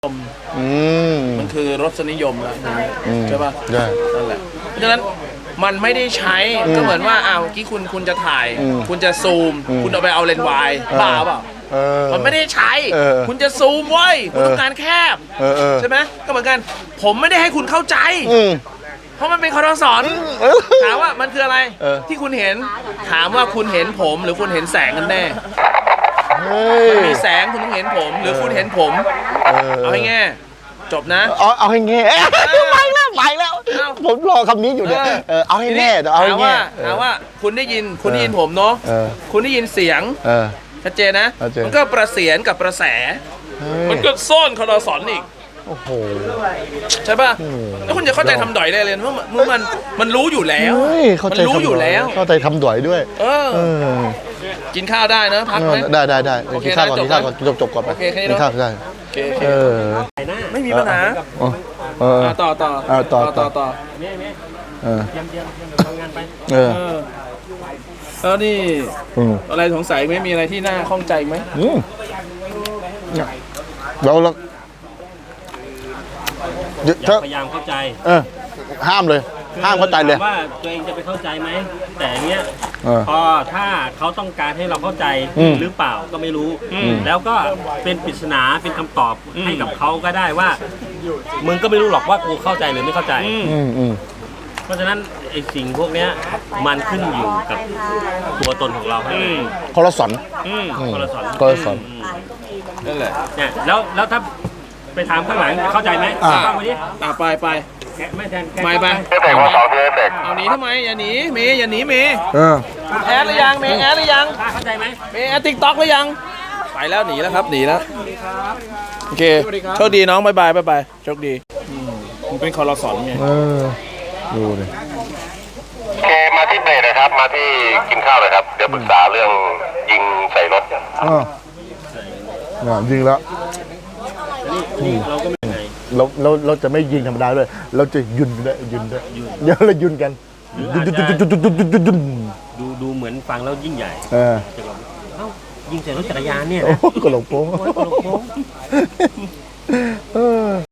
มันคือรสนิยมแล้วใช่ป่ะใช่นั่นแหละเพราะฉะนั้นมันไม่ได้ใช้ก็เหมือนว่าเมื่อกี้คุณจะถ่ายคุณจะซูมคุณเอาไปเอาเลนส์วายบ้าเปล่ามันไม่ได้ใช้คุณจะซูมไว้คุณต้องการแคบใช่ไหมก็เหมือนกันผมไม่ได้ให้คุณเข้าใจเพราะมันเป็นคอร์สอนถามว่ามันคืออะไรที่คุณเห็นถามว่าคุณเห็นผมหรือคุณเห็นแสงกันแน่มันมีแสงคุณต้องเห็นผมหรือคุณเห็นผมเอาให้แง่จบนะเอาให้แง่ไปแล้วผมรอคำนี้อยู่เนี่ยเอาให้แน่เอาให้แง่ถามว่าคุณได้ยินผมเนาะคุณได้ยินเสียงชัดเจนนะมันก็ประเสียนกับประแสมันก็ซ่อนคอร์สอนอีกโอ้โหใช่ป่ะแล้วคุณจะเข้าใจทำดอยได้เลยเพราะมันรู้อยู่แล้วมันรู้อยู่แล้วเข้าใจทำดอยด้วยกินข้าวได้นะพักไหมได้กินข้าวก่อนจบก่อนไปกินข้าวได้ไม่มีปัญหาต่อทำงานไปแล้วนี่อะไรสงสัยไหมมีอะไรที่น่าข้องใจไหมเราพยายามเข้าใจห้ามเลยห้ามเข้าใจเลยว่าตัวเองจะไปเข้าใจไหมแต่เนี้ยพอถ้าเขาต้องการให้เราเข้าใจหรือเปล่าก็ไม่รู้แล้วก็เป็นปริศนาเป็นคำตอบให้กับเขาก็ได้ว่ามึงก็ไม่รู้หรอกว่ากูเข้าใจหรือไม่เข้าใจเพราะฉะนั้นไอ้สิ่งพวกเนี้ยมันขึ้นอยู่กับตัวตนของเราคอร์สอนนั่นแหละเนี่ยแล้วถ้าไปถามข้างหลังเข้าใจไหมฟังไปดิไปไม่แทนไปเอาหนีทำไมอย่าหนีเมย์อย่าหนีเมย์แอดหรือยังเมย์แอดหรือยังเข้าใจไหมเมย์แอดติ๊กต็อกหรือยังไปแล้วหนีแล้วครับหนีแล้วโอเคโชคดีน้องบายโชคดีมันเป็นคอร์สอนไงดูเลยโอเคมาที่เบรนะครับมาที่กินข้าวเลยครับเดี๋ยวปรึกษาเรื่องยิงใส่รถยิงแล้วเราก็ไม่ไงเราจะไม่ยิงธรรมดาด้วยเราจะยุนด้วยเดี๋ยวเรายุนกันดูเหมือนฟังแล้วยิ่งใหญ่ยิงใส่รถจักรยานเนี่ยโอ้กระโหลกโป้ง